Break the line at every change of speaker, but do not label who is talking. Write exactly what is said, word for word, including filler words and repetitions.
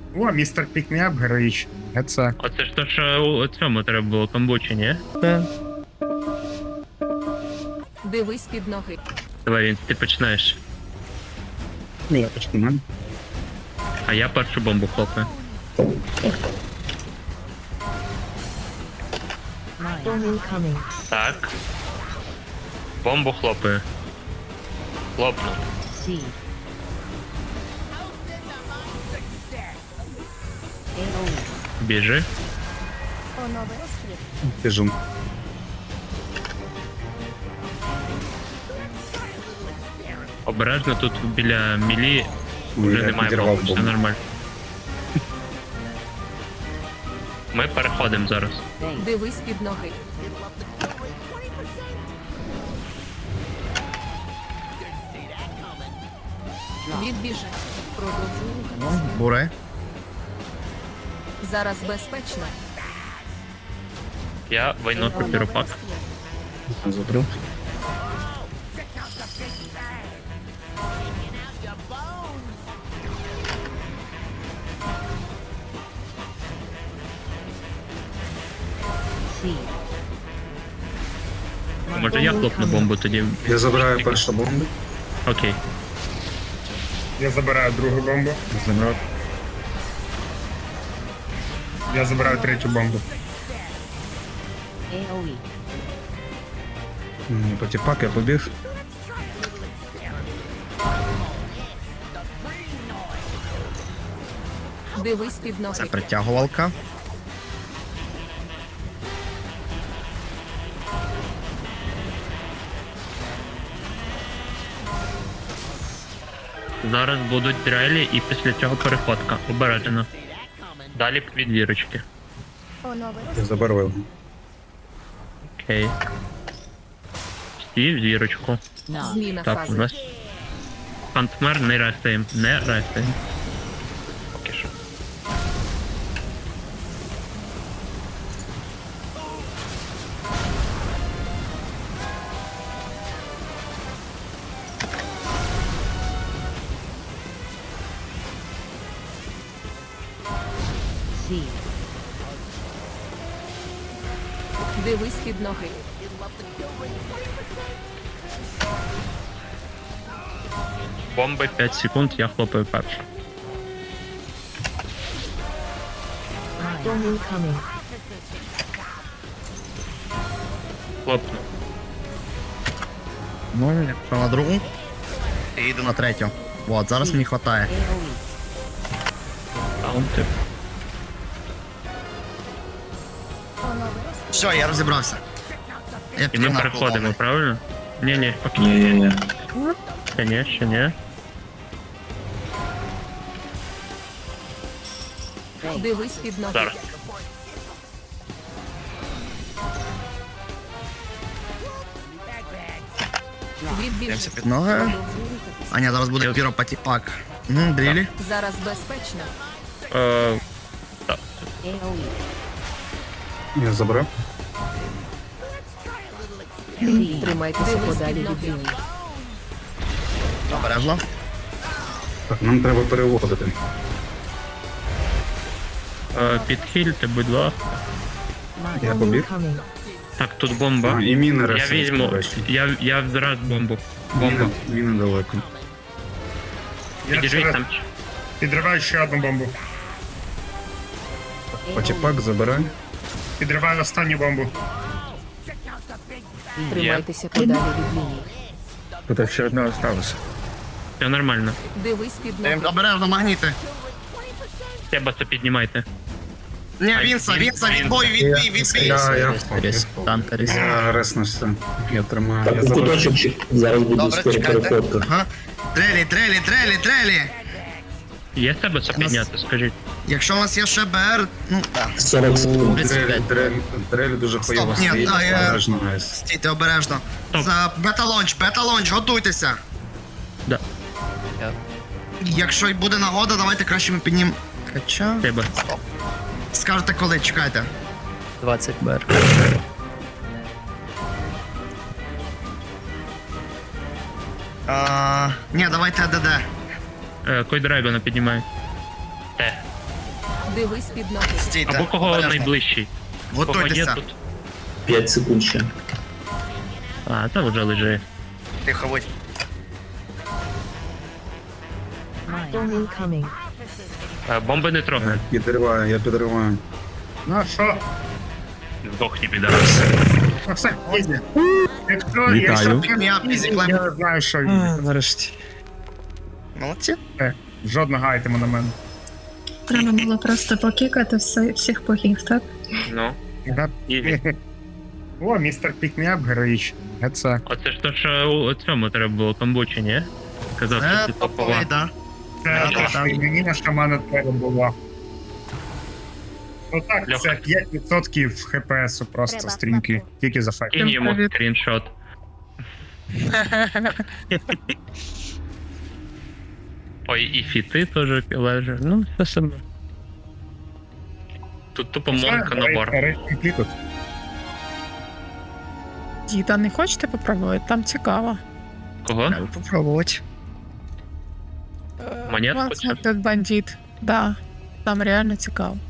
О, містер Пікміап героїчний. Це.
Оце ж то, що у цьому треба було камбучі, ні?
Так.
Дивись під ноги.
Давай, він, ти починаєш.
Ну, я почну.
А я першу бомбу хлопаю. Так. Бомбу хлопаю. Хлопну.
C. AOE.
Біжи.
Біжу.
Обережно тут біля мілі
Ой,
вже
я
немає
підірвав
бомб, все
бомбу.
нормально. Ми переходимо зараз.
Base.
Дивись під ноги. Відбіжи. Продовжуй рухатися.
Буре.
Зараз безпечно.
Я виношу піропак.
Забрав.
C.
Може я хлопну бомбу тоді?
Я забираю першу бомбу.
Окей.
Я забираю другу бомбу. Забрав. Я забираю третю бомбу.
AOE.
Потіпак, я побіг.
Дивись під ноги.
Це притягувалка.
Зараз будуть дрелі і після цього переходка. Обережно. Далі від вірочки.
Я забирав.
Окей. Стій в зірочку.
No.
Зміна
Так, у
фази.
нас Антмер не рестаємо, не рестаємо. Поки що.
C.
Дивись під ноги.
Бомби п'ять секунд, я хлопаю перший.
Incoming.
Хлопну.
Ну, якщо на другу. І йду на третю. От, зараз мені хватає.
AOE.
Таунти.
Все, я розібрався. Я
І ми
підігнав
переходимо,
половину.
правильно? Ні-ні, окей.
Ні-ні-ні.
Ще ні, ще ні.
Base.
Дивись під ноги.
Зараз.
Відбіжи.
Дивимося під ноги.
Продовжуй рухатися.
А ні, зараз буде
Я-
піропатіпак. Угу, дрілі.
Зараз безпечно.
Е, так.
AOE.
Я забрав.
C.
Тримайтеся подалі від лінії.
Обережно.
Так, нам треба переводити.
Е, підхильте, будь ласка.
Я побіг.
Incoming.
Так, тут бомба.
А, і міни
Я
ресурс,
візьму.
до речі.
Я, я зараз бомбу. Бомба.
Міни, міни далеко.
Підіжіть там.
Підриваю ще одну бомбу.
AOE.
Потіпак забирай. Підриваю останню бомбу.
Тримайтеся подалі від лінії.
Тут ще одна осталася.
Все нормально.
Дивись під
Ем,
ноги.
Обережно, магніти.
Треба це піднімайте.
Ні,
Ай,
Вінса,
він-
Вінса,
він-
відбой, відбій, відбій.
Я, я,
Ріс, танкеріс.
я реснувся. Я тримаю. Я
Так, у
забрав.
куточок ще- зараз буде
Добре,
скоро
чекайте.
переходка.
Ага. Трелі, трелі, трелі, трелі.
Є себе це підняти, скажіть.
Якщо у вас є ще БР, ну так.
сорок секунд.
тридцять п'ять.
Дрель, дрель дуже хуйово
ні,
стоїть.
та, я-
Обережно, гайс.
Стійте обережно.
Стоп.
За бета-лонч, бета-лонч, готуйтеся.
Да.
Якщо й буде нагода, давайте краще ми піднім. Хоча.
Треба.
Скажете коли, чекайте.
двадцять бер.
А, ні, давайте АДД.
Е, Кой драйвена піднімає. Те.
Дивись під ноги.
Стійте.
Або кого
обережно.
найближчий. Кого є
Готуйтеся.
тут.
п'ять секунд ще.
А, та вже лежить.
Тихо, будь.
Storm incoming.
Е, Бомби не трогай.
Підриваю, я підриваю.
Ну що?
Здохні, підарас.
Ну все, ізі. Якщо
Вітаю.
якщо
Пікміап, ізі
я
клеп.
не знаю, що ізі.
Нарешті.
Молодці.
Е, Жодного айтему на мене.
Треба було просто покікати все, всіх богів, так?
Ну,
Да.
і
О, містер Пікміап героїчний. А це.
оце ж то, що у цьому треба було камбучі, ні? Казав,
Це
що ти топова.
топовий, да.
Це
Да,
те, що мені на шамана треба було. Ну так,
Льоха.
це п'ять відсотків хпсу просто стрімки. Тільки за факт.
Кинь йому
Привіт.
скріншот. Ой, і фіти теж лежать. Ну, все саме. Тут тупо монка набор.
Тут.
Діда, не хочете попробувати? Там цікаво.
Кого?
Попробувати.
Монетку
Вас
цю?
тут бандит. Да, там реально цікаво.